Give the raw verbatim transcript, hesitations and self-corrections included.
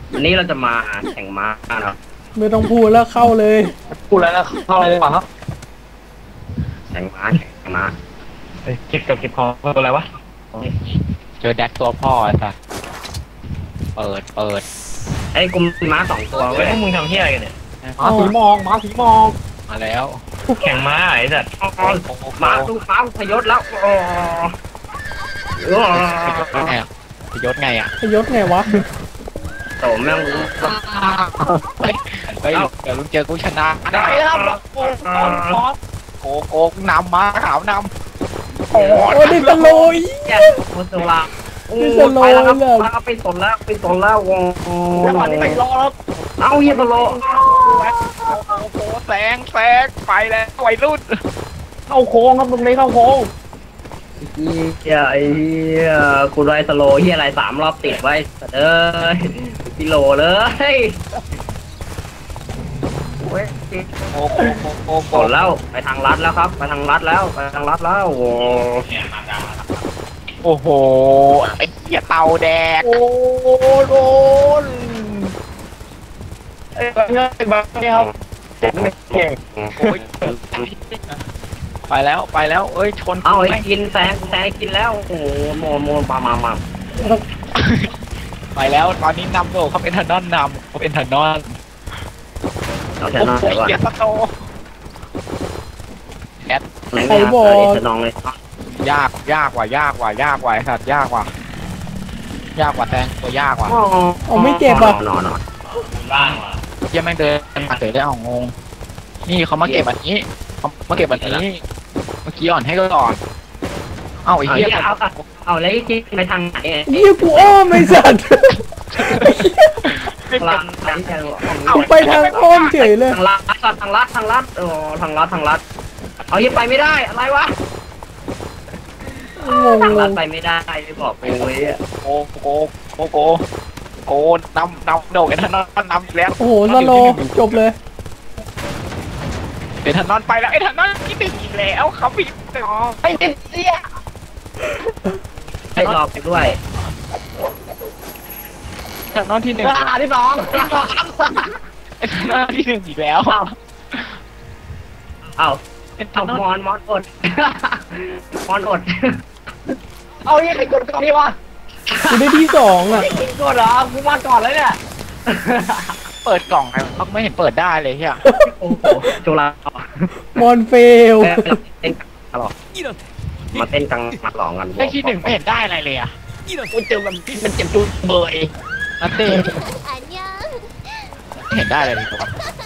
วันนี้เราจะมาแข่งม้าเนาะไม่ต้องพูดแล้วเข้าเลยพูดแล้วแล้วเข้าอะไรเลยป่ะครับแข่งม้าแข่งม้าเก็บกับเก็บของตัวอะไรวะเจอแดกตัวพ่อไอ้สัสเปิดเปิดไอ้กูมีม้าสองตัวเว้ยมึงทำเหี้ยอะไรกันเนี่ยม้าสีมองม้าสีมองมาแล้วแข่งม้าไอ้สัสม้าตู้ม้าพยศแล้วโอ้พยศไงอ่ะพยศไงวะโตแม่งเฮ้ยเดี๋ยวลุงเจอกูชนะได้ครับโอ้โหโกกนำม้าขาวนำโอ้ดิสโลยโคตรลาโอ้ไปแล้วครับไปสนแล้วไปสนแล้ววงจังหวะนี้ไปรอแล้วเอาเฮียสโลโอ้โหแสงแสงไปแล้ววัยรุ่นเข้าโค้งครับมึงไม่เข้าโค้งเฮียไอ้เฮียกูไรสโลเฮียอะไรสามรอบติดไว้เอ้ยกิโลเลยโอ้โหโอ้โหแล้วไปทางลัดแล้วครับไปทางลัดแล้วไปทางลัดแล้วโอ้โอ้โหไอ้เหี้ยเต่าแดกโอ้โดนไอ้บ้าเงี้ยบ้าเงี้ยครับเก่งไปแล้วไปแล้วเอ้ยชนเอาไอ้กินแซงแซงกินแล้วโอ้โมโมมามามาไปแล้วตอนนี้นำโดเขาเป็นทันนอนนำเขาเป็นทันนอนเราชนะเลยว่ะเกียร์สโตแอดไอ้บอลจะนองเลยยากยากกว่ายากกว่ายากกว่าสัตว์ยากกว่ายากกว่าแตงตัวยากกว่าเอาไม่เจ็บอ่ะนอนนอนล่างว่ะยังไม่เดินมาเฉยได้เอางงนี่เขามาเก็บแบบนี้เขามาเก็บแบบนี้เมื่อกี้อ่อนให้ก็ก่อนเอ้าไอ้เหี้ยเอาเอาแล้วที่ไปทางไหนนี่กูอ้อมไม่สัตว์กูไปทางอ้อมเฉยเลยทางลัดทางลัดทางลัดโอ้ทางลัดทางลัดเอายังไปไม่ได้อะไรวะงงทางลัดไปไม่ได้ไม่บอกไปเลยโกโกโกโกโกนำนำโดดไอ้ท่านนนำแล้วโอ้โหสโลจบเลยไอ้ท่านนอนไปแล้วไอ้ท่านนอนที่หนึ่งอีกแล้วเขาปิดอ๋อไอ้เสียให้รอไปด้วยท่านนอนที่หนึ่งที่สองไอ้ท่านนอนที่หนึ่งอีกแล้วเอ้าเอามอนมอนอดมอนอดเอายังไงกดก่อนนี่วะกูได้ที่สองอ่ะกดเหรอกูมาก่อนเลยเนี่ยเปิดกล่องไงเขาไม่เห็นเปิดได้เลยเฮียโอ้โหจุฬามอนเฟลมาเต้นกลางมาหลองกันไอ้ที่หนึ่งไม่เห็นได้อะไรเลยอ่ะกูเจอมันมันเจ็บจุดเบยนัตเต้ไม่เห็นได้อะไรเลยครับ